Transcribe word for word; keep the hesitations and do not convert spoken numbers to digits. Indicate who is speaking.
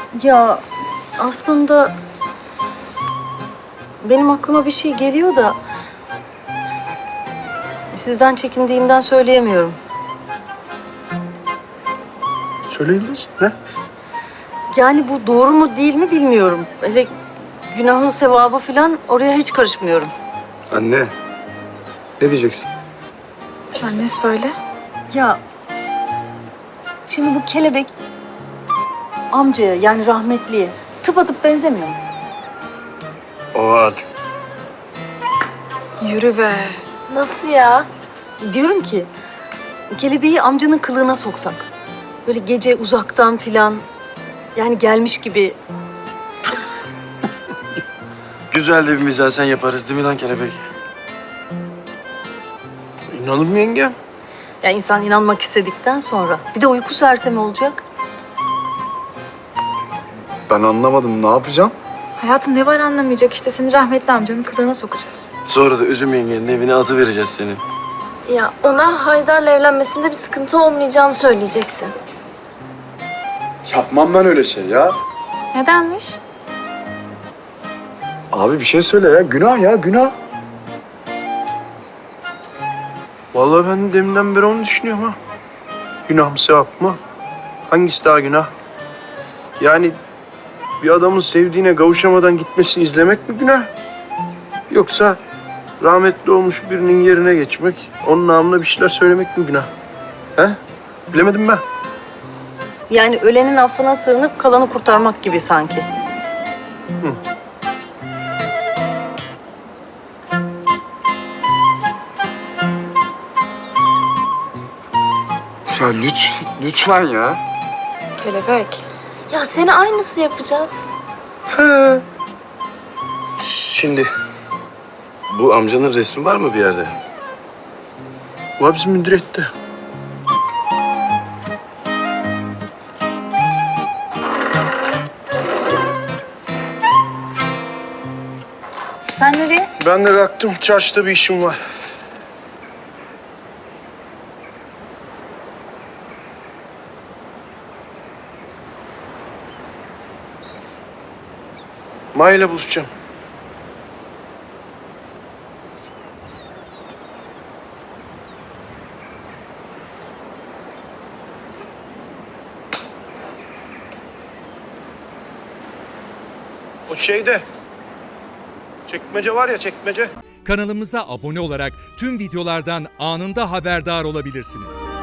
Speaker 1: Ya aslında benim aklıma bir şey geliyor da sizden çekindiğimden söyleyemiyorum.
Speaker 2: Söyle Yıldız. Ne?
Speaker 1: Yani bu doğru mu değil mi bilmiyorum. Hele günahı sevabı falan oraya hiç karışmıyorum.
Speaker 2: Anne. Ne diyeceksin?
Speaker 3: Anne söyle.
Speaker 1: Ya şimdi bu kelebek amcaya yani rahmetliye tıpatıp benzemiyor mu?
Speaker 2: O artık.
Speaker 3: Yürü be.
Speaker 4: Nasıl ya?
Speaker 1: Diyorum ki kelebeği amcanın kılığına soksak. Böyle gece uzaktan filan yani gelmiş gibi.
Speaker 5: Güzel de bir mizansen yaparız değil mi lan kelebek?
Speaker 2: İnanır mı yengem?
Speaker 1: Ya insan inanmak istedikten sonra. Bir de uyku sersemi olacak.
Speaker 2: Ben anlamadım. Ne yapacağım?
Speaker 3: Hayatım ne var anlamayacak işte seni rahmetli amcanın kılığına sokacağız.
Speaker 5: Sonra da üzüm yengenin evine atı vereceğiz senin.
Speaker 4: Ya ona Haydar'la evlenmesinde bir sıkıntı olmayacağını söyleyeceksin.
Speaker 2: Yapmam ben öyle şey ya.
Speaker 3: Nedenmiş?
Speaker 2: Abi bir şey söyle ya. Günah ya, günah.
Speaker 6: Vallahi ben deminden beri onu düşünüyorum ha. Günah mı sevap mı? Hangisi daha günah? Yani bir adamın sevdiğine kavuşamadan gitmesini izlemek mi günah? Yoksa rahmetli olmuş birinin yerine geçmek, onun namına bir şeyler söylemek mi günah? He? Bilemedim ben.
Speaker 1: Yani ölenin affına sığınıp kalanı kurtarmak gibi sanki.
Speaker 2: Ya lütfen, lütfen ya.
Speaker 3: Kelebek.
Speaker 4: Ya seni aynısı yapacağız.
Speaker 5: Şimdi bu amcanın resmi var mı bir yerde?
Speaker 6: Bu bizim müdüriyette.
Speaker 1: Sen nereye?
Speaker 6: Ben de kalktım. Çarşıda bir işim var. Maya ile buluşacağım. O şeyde. Çekmece var ya, çekmece.
Speaker 7: Kanalımıza abone olarak tüm videolardan anında haberdar olabilirsiniz.